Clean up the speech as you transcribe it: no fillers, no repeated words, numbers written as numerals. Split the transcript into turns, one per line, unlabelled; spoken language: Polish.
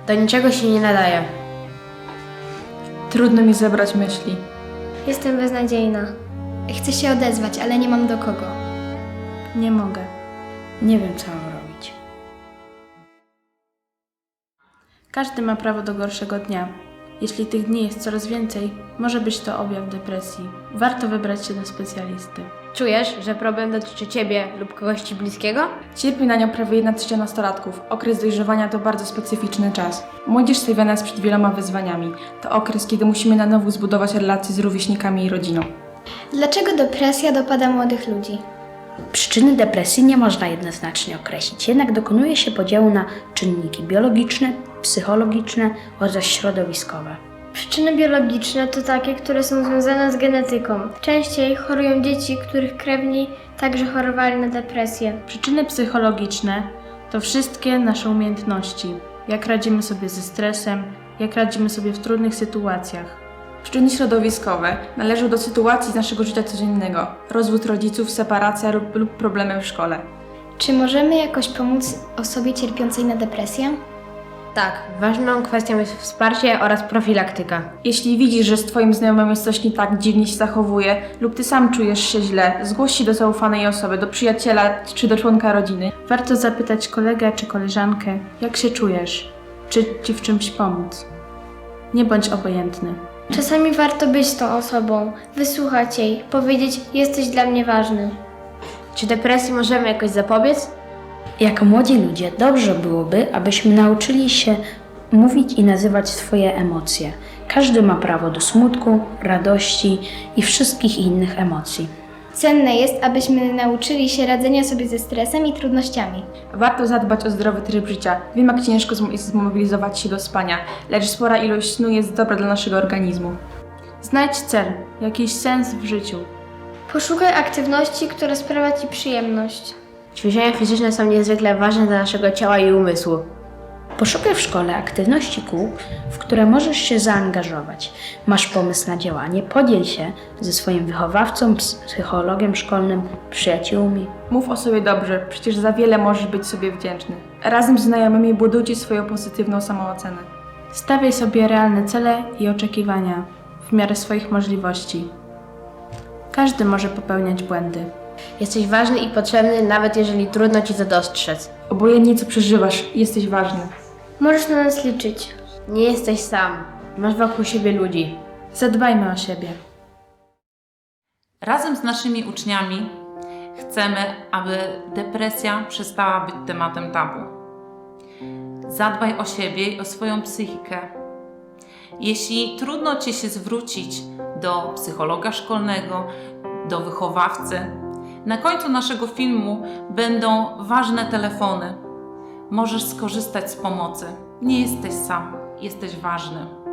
Do niczego się nie nadaje.
Trudno mi zebrać myśli.
Jestem beznadziejna. Chcę się odezwać, ale nie mam do kogo.
Nie mogę.
Nie wiem, co mam robić.
Każdy ma prawo do gorszego dnia. Jeśli tych dni jest coraz więcej, może być to objaw depresji. Warto wybrać się do specjalisty.
Czujesz, że problem dotyczy ciebie lub kogoś ci bliskiego?
Cierpi na nią prawie 1/3 nastolatków. Okres dojrzewania to bardzo specyficzny czas. Młodzież stawiana jest przed wieloma wyzwaniami. To okres, kiedy musimy na nowo zbudować relacje z rówieśnikami i rodziną.
Dlaczego depresja dopada młodych ludzi?
Przyczyny depresji nie można jednoznacznie określić, jednak dokonuje się podziału na czynniki biologiczne, psychologiczne oraz środowiskowe.
Przyczyny biologiczne to takie, które są związane z genetyką. Częściej chorują dzieci, których krewni także chorowali na depresję.
Przyczyny psychologiczne to wszystkie nasze umiejętności. Jak radzimy sobie ze stresem, jak radzimy sobie w trudnych sytuacjach. Przyczyny środowiskowe należą do sytuacji z naszego życia codziennego. Rozwód rodziców, separacja lub problemy w szkole.
Czy możemy jakoś pomóc osobie cierpiącej na depresję?
Tak, ważną kwestią jest wsparcie oraz profilaktyka.
Jeśli widzisz, że z Twoim znajomym jest coś nie tak, dziwnie się zachowuje lub Ty sam czujesz się źle, zgłoś się do zaufanej osoby, do przyjaciela czy do członka rodziny. Warto zapytać kolegę czy koleżankę, jak się czujesz, czy Ci w czymś pomóc. Nie bądź obojętny.
Czasami warto być tą osobą, wysłuchać jej, powiedzieć: jesteś dla mnie ważny.
Czy depresji możemy jakoś zapobiec?
Jako młodzi ludzie dobrze byłoby, abyśmy nauczyli się mówić i nazywać swoje emocje. Każdy ma prawo do smutku, radości i wszystkich innych emocji.
Cenne jest, abyśmy nauczyli się radzenia sobie ze stresem i trudnościami.
Warto zadbać o zdrowy tryb życia. Wiem, jak ciężko jest zmobilizować się do spania, lecz spora ilość snu jest dobra dla naszego organizmu. Znajdź cel, jakiś sens w życiu.
Poszukaj aktywności, która sprawia Ci przyjemność.
Ćwiczenia fizyczne są niezwykle ważne dla naszego ciała i umysłu.
Poszukaj w szkole aktywności kół, w które możesz się zaangażować. Masz pomysł na działanie? Podziel się ze swoim wychowawcą, psychologiem szkolnym, przyjaciółmi.
Mów o sobie dobrze, przecież za wiele możesz być sobie wdzięczny. Razem z znajomymi budujcie swoją pozytywną samoocenę. Stawiaj sobie realne cele i oczekiwania w miarę swoich możliwości. Każdy może popełniać błędy.
Jesteś ważny i potrzebny, nawet jeżeli trudno ci to dostrzec.
Obojętnie co przeżywasz, jesteś ważny.
Możesz na nas liczyć.
Nie jesteś sam. Masz wokół siebie ludzi.
Zadbajmy o siebie.
Razem z naszymi uczniami chcemy, aby depresja przestała być tematem tabu. Zadbaj o siebie i o swoją psychikę. Jeśli trudno Ci się zwrócić do psychologa szkolnego, do wychowawcy, na końcu naszego filmu będą ważne telefony. Możesz skorzystać z pomocy. Nie jesteś sam, jesteś ważny.